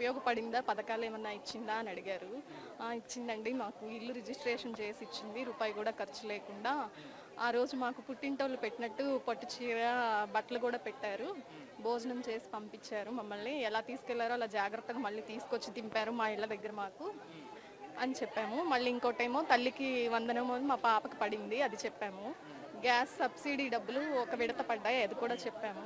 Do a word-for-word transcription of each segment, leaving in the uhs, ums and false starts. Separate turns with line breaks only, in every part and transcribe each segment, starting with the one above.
ఉపయోగపడిందా, పథకాలు ఏమన్నా ఇచ్చిందా అని అడిగారు. ఇచ్చిందండి, మాకు ఇల్లు రిజిస్ట్రేషన్ చేసి ఇచ్చింది, రూపాయి కూడా ఖర్చు లేకుండా. ఆ రోజు మాకు పుట్టింటోళ్ళు పెట్టినట్టు పట్టు చీర, బట్టలు కూడా పెట్టారు, భోజనం చేసి పంపించారు. మమ్మల్ని ఎలా తీసుకెళ్లారో అలా జాగ్రత్తగా మళ్ళీ తీసుకొచ్చి దింపారు మా ఇళ్ళ దగ్గర మాకు అని చెప్పాము. మళ్ళీ ఇంకోటేమో తల్లికి వందనము మా పాపకి పడింది, అది చెప్పాము. గ్యాస్ సబ్సిడీ డబ్బులు ఒక విడత పడ్డాయి, అది కూడా చెప్పాము.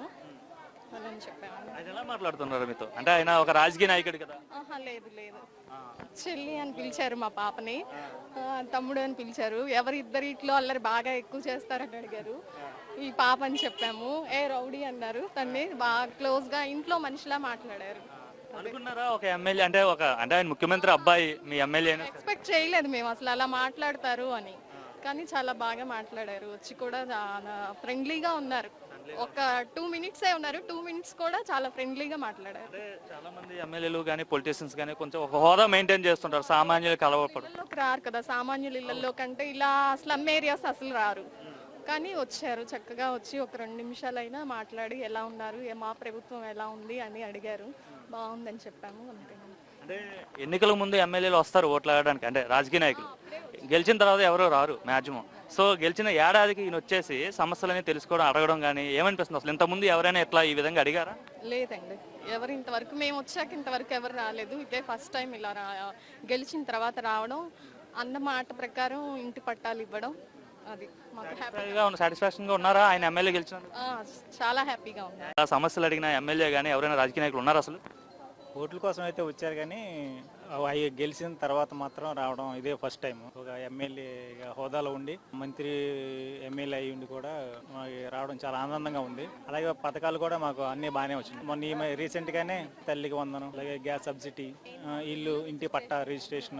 అని చెప్పాము.
ఆయన ఎలా మాట్లాడుతున్నారు మీతో? అంటే ఆయన ఒక రాజకీయ నాయకుడు కదా?
ఆహా, లేదు లేదు, చెల్లి అని పిలిచారు మా పాపని, తమ్ముడు అని పిలిచారు. ఎవరి ఇద్దరిట్లో అల్లరి బాగా ఎక్కువ చేస్తారని అడిగారు. ఈ పాప అని చెప్పాము. ఏ రౌడీ అన్నారు. తన్ని బాగా క్లోజ్ గా ఇంట్లో మనిషిలా మాట్లాడారు.
అనుకున్నారా ఒక ఎమ్మెల్యే అంటే ఒక అంటే ఆయన ముఖ్యమంత్రి అబ్బాయి మీ ఎమ్మెల్యే
ఎక్స్పెక్ట్ చేయలేదు మేము అసలు అలా మాట్లాడతారు అని, కానీ చాలా బాగా మాట్లాడారు. వచ్చి కూడా చాలా ఫ్రెండ్లీగా ఉన్నారు. ఒక టూ మినిట్సే ఉన్నారు, టూ మినిట్స్ కూడా చాలా ఫ్రెండ్లీగా మాట్లాడారు.
చాలా మంది ఎమ్మెల్యేలు కానీ పొలిటీషియన్స్ కానీ కొంచెం ఒక హోదా మెయింటైన్ చేస్తుంటారు, సామాన్యులు కలవపడు
రారు కదా, సామాన్యుల ఇళ్లలో కంటే ఇలా స్లమ్ ఏరియాస్ అసలు రారు. కానీ వచ్చారు, చక్కగా వచ్చి ఒక రెండు నిమిషాలైనా మాట్లాడి ఎలా ఉన్నారు, మా ప్రభుత్వం ఎలా ఉంది అని అడిగారు. బాగుందని చెప్పాము, అంతే.
అంటే ఎన్నికల ముందు ఎమ్మెల్యేలు వస్తారు ఓట్లు ఆడడానికి, అంటే రాజకీయ నాయకులు. గెలిచిన తర్వాత ఎవరో రారు మ్యాక్సిమం. సో గెలిచిన ఏడాదికి ఈయన వచ్చేసి సమస్యలని తెలుసుకోవడం, అడగడం కానీ ఏమనిపిస్తుంది అసలు? ఇంతకుముందు ఎవరైనా ఎట్లా ఈ విధంగా అడిగారా?
లేదండి, ఎవరు ఇంతవరకు, మేము వచ్చాక ఇంతవరకు ఎవరు రాలేదు. ఇదే ఫస్ట్ టైం ఇలా రా గెలిచిన తర్వాత రావడం, అన్న మాట ప్రకారం ఇంటి పట్టాలు ఇవ్వడం, అది మాకు హ్యాపీగా ఉంది.
సాటిస్ఫాక్షన్ గా ఉన్నారా ఆయన ఎమ్మెల్యే గెలిచిన?
చాలా హ్యాపీగా ఉంది.
సమస్యలు అడిగిన ఎమ్మెల్యే కానీ ఎవరైనా రాజకీయ నాయకులు ఉన్నారు అసలు?
ఓట్ల కోసం అయితే వచ్చారు, కానీ అవి గెలిచిన తర్వాత మాత్రం రావడం ఇదే ఫస్ట్ టైం. ఒక ఎమ్మెల్యే హోదాలో ఉండి మంత్రి ఎమ్మెల్యే అయ్యి ఉండి కూడా మాకు రావడం చాలా ఆనందంగా ఉంది. అలాగే పథకాలు కూడా మాకు అన్ని బాగానే వచ్చింది. మొన్న రీసెంట్ గానే తల్లికి వందనం, అలాగే గ్యాస్ సబ్సిడీ, ఇల్లు ఇంటి పట్టా రిజిస్ట్రేషన్.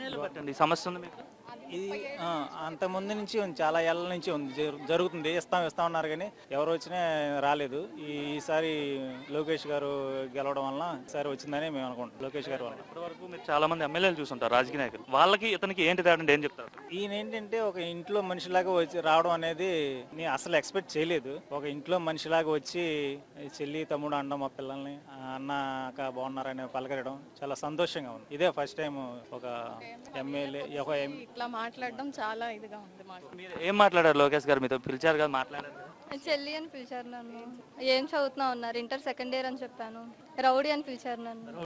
సమస్య ఉంది మీకు?
ఇది అంత ముందు నుంచి ఉంది, చాలా ఏళ్ళ నుంచి ఉంది, జరుగుతుంది. ఇస్తాం ఇస్తాం ఉన్నారు కానీ ఎవరు వచ్చినా రాలేదు. ఈసారి లోకేష్ గారు గెలవడం వల్ల ఈసారి వచ్చిందని మేము అనుకుంటాం. లోకేష్ గారు వల్ల
ఇప్పటి వరకు మీరు చాలా మంది ఎమ్మెల్యేలు చూస్తుంటారు రాజకీయ నాయకులు, వాళ్ళకి ఇతనికి ఏంటి తేడా ఏం చెప్తారు?
ఈయన ఏంటంటే ఒక ఇంట్లో మనిషిలాగా వచ్చి రావడం అనేది నేను అసలు ఎక్స్పెక్ట్ చేయలేదు. ఒక ఇంట్లో మనిషిలాగా వచ్చి చెల్లి తమ్ముడు అనడం, మా పిల్లల్ని అన్న అక్క బాగున్నారని పలకరడం చాలా సంతోషంగా ఉంది. ఇదే ఫస్ట్ టైం ఒక ఎమ్మెల్యే
ఇట్లా మాట్లాడడం చాలా ఇదిగా ఉంది మాకు.
మీరు ఏం మాట్లాడారు? లోకేష్ గారు మీతో పిలిచారు కదా, మాట్లాడారు?
చెల్లి అని పిలిచారు నన్ను. ఏం చదువుతున్నా ఉన్నారు, ఇంటర్ సెకండ్ ఇయర్ అని చెప్పాను. రౌడీ అని పిలిచారు నన్ను.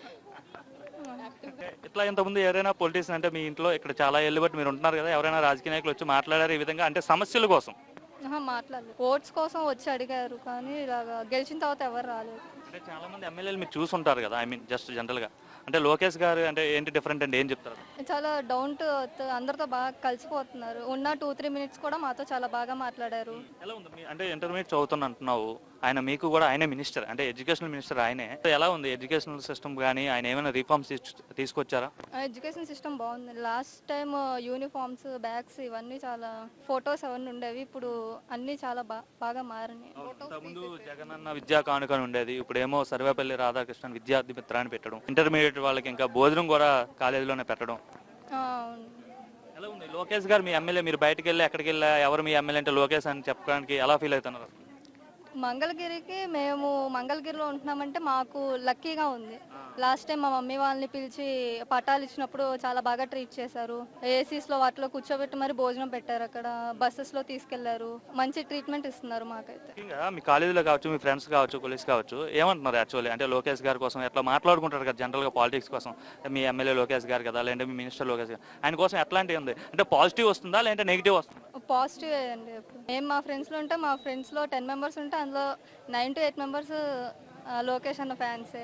ఇట్లా ఇంతకుముందు ఎవరైనా పొలిటీషియన్ అంటే మీ ఇంట్లో ఇక్కడ చాలా ఏళ్ళు బట్టి మీరు ఉంటున్నారు కదా, ఎవరైనా రాజకీయ నాయకులు వచ్చి మాట్లాడారు ఈ విధంగా, అంటే సమస్యల కోసం?
మాట్లాడలేదు, ఓట్స్ కోసం వచ్చి అడిగారు, కానీ ఇలాగా గెలిచిన తర్వాత ఎవరు రాలేదు.
అంటే చాలా మంది ఎమ్మెల్యేలు మీరు చూసుంటారు కదా, ఐ మీన్ జస్ట్ జనరల్ గా, అంటే లోకేష్ గారు అంటే ఏంటి డిఫరెంట్ అంటే ఏం చెప్తారు?
చాలా డౌన్ టు ఎర్త్, అందరితో బాగా కలిసిపోతున్నారు. ఉన్న టూ త్రీ మినిట్స్ కూడా మాతో చాలా బాగా మాట్లాడారు.
ఎలా ఉంది అంటే ఇంటర్మీడియట్ చదువుతున్నా అంటున్నావు, ఆయన మీకు కూడా ఆయనే మినిస్టర్, అంటే ఎడ్యుకేషనల్ మినిస్టర్ ఆయనే. ఎలా ఉంది ఎడ్యుకేషనల్ సిస్టమ్ కానీ, ఆయన ఏమైనా రిఫార్మ్స్ తీసుకొచ్చారా?
ఎడ్యుకేషన్ సిస్టమ్ బాగుంది. లాస్ట్ టైం యూనిఫామ్స్, బ్యాగ్స్ ఇవన్నీ చాలా ఫొటోస్ అవన్నీ ఉండేవి, ఇప్పుడు అన్ని చాలా బాగా మారినాయి.
ముందు జగనన్న విద్యా కానుక ఉండేది, ఇప్పుడు ఏమో సర్వేపల్లి రాధాకృష్ణన్ విద్యార్థి మిత్రాన్ని పెట్టడం, ఇంటర్మీడియట్ వాళ్ళకి ఇంకా భోజనం కూడా కాలేజీలోనే పెట్టడం. ఎలా ఉంది లోకేష్ గారు మీ ఎమ్మెల్యే? మీరు బయటకు వెళ్ళి ఎక్కడికి వెళ్ళా ఎవరు మీ ఎమ్మెల్యే అంటే లోకేష్ అని చెప్పడానికి ఎలా ఫీల్ అవుతున్నారు?
మంగళగిరికి మేము మంగళగిరిలో ఉంటున్నామంటే మాకు లక్కీగా ఉంది. లాస్ట్ టైం మా మమ్మీ వాళ్ళని పిలిచి పట్టాలు ఇచ్చినప్పుడు చాలా బాగా ట్రీట్ చేశారు. ఏసీస్ లో వాటిలో కూర్చోబెట్టి మరి భోజనం పెట్టారు, అక్కడ బస్సెస్ లో తీసుకెళ్లారు, మంచి ట్రీట్మెంట్ ఇస్తున్నారు మాకైతే.
మీ కాలేజీలో కావచ్చు, మీ ఫ్రెండ్స్ కావచ్చు, కొలీగ్స్ కావచ్చు, ఏమంటున్నారు యాక్చువల్లీ అంటే లోకేష్ గారి కోసం ఎట్లా మాట్లాడుకుంటారు కదా జనరల్ గా పాలిటిక్స్ కోసం, మీ ఎమ్మెల్యే లోకేష్ గారు కదా, లేదంటే మీ మినిస్టర్ లోకేష్ గారు, ఆయన కోసం ఎట్లాంటివి ఉంది అంటే పాజిటివ్ వస్తుందా లేదంటే నెగిటివ్ వస్తుందా?
పాజిటివ్ అండి. మేము మా ఫ్రెండ్స్ లో ఉంటే మా ఫ్రెండ్స్ లో టెన్ మెంబర్స్ ఉంటే అందులో nine to eight members Lokesh అన్న ఫ్యాన్సే.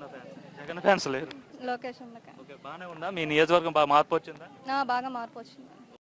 జగన్ ఫ్యాన్స్ లేరు,
లోకేష్ అన్న.
బాగానే ఉందా? మీ నియోజకవర్గం బాగా మార్పు వచ్చిందా?
బాగా మార్పు వచ్చింది.